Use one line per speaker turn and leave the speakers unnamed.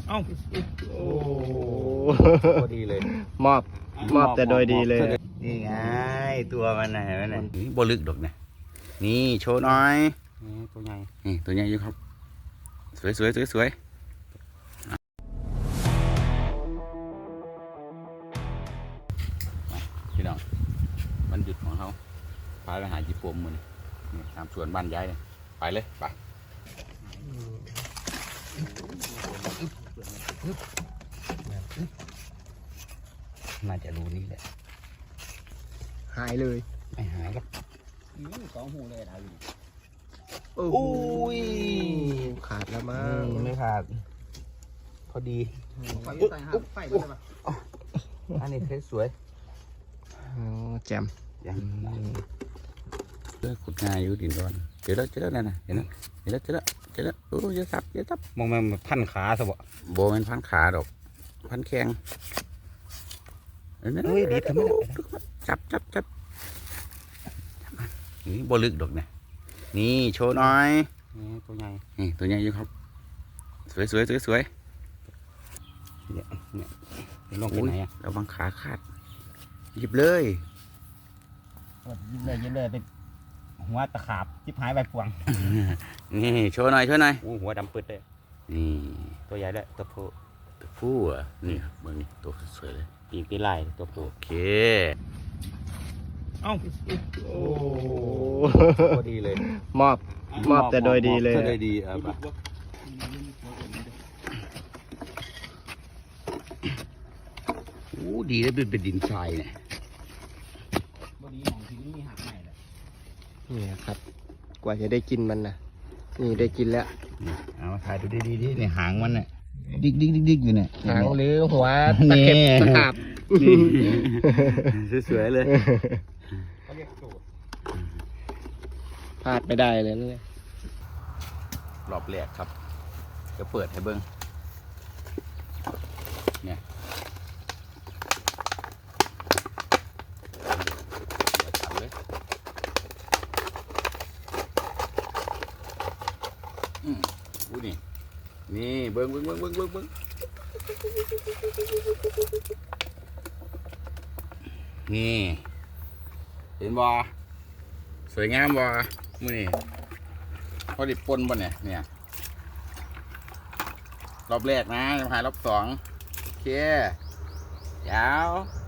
เอ้าโอ้พอดีเลย
มอบแต่โดยดีเลย
นี่ไงตัวมันนะเห็นไหมเนี่ยนี่บลึกดอกนะนี่โชว์หน่อยนี่ตัวใหญ่นี่ตัวใหญ่อยู่ครับสวยพี่น้องมันหยุดของเขาพาไปหาจีปมมันนี่ตามสวนบ้านยายเลยไปเลยไปน่าจะรู้นี่แหละ
หายเลย
ไม่หายครับ
สองหูเลยอะไร
อุ้ย
ขาดแล้วมั้ง
ไม่ขาดพอดี
ไฟไฟเลยป่ะ
อันนี้สวย
แจ่ม
ยังเลือกขุดง่ายอยู่ดินร้อนเจอแล้วนั่นนะเห็นแล้วโอ้ยจะซับมองมันพันขาซะบ่โบมันพันขาดอกพันแข้งเฮ้ยดีทำไมจับนี่บลึกดอกเนี่ยนี่โชว์หน่อยนี่ตัวใหญ่นี่ตัวใหญ่อยู่ครับสวยเนี่ยลงไปไหนอ่ะเราบังขาขาดหยิบเลย
ยิบเลยเป็นหัวตะขาบจิบหายใบพวง
นี่โชว์หน่อย
หัวดำปืดเลย
นี่
ตัวใหญ่เลยตัว
ผู้อ่ะนี่เบิ่งนี่ตัวสวยเลย
ปีกปีไล่ตัวผู้
โอเค
เอ้าโอ้พอดีเลย
มอบแต่โดยดีเลยโดยดีโอ้ดีแล้วเป็นดินทรายเนี่ย
นี่ครับกว่าจะได้กินมันนะนี่ได้กินแล้ว
เอามาถ่ายดูดีนี่หางมันเนี่ยดิกอยู่เนี่ย
หางหรือหัวตะเข็บตะขาบ
สวยเลย
พลาดไม่ได้เลยนี่
รอบแรกครับจะเปิดให้เบิ้งเนี่ยอู้นี่เบิ้งนี่เห็นบ่สวยงามบ่มื้อนี้พอดิปนบ่เนี่ยรอบแรกนะจะหารอบสองโอเคยาว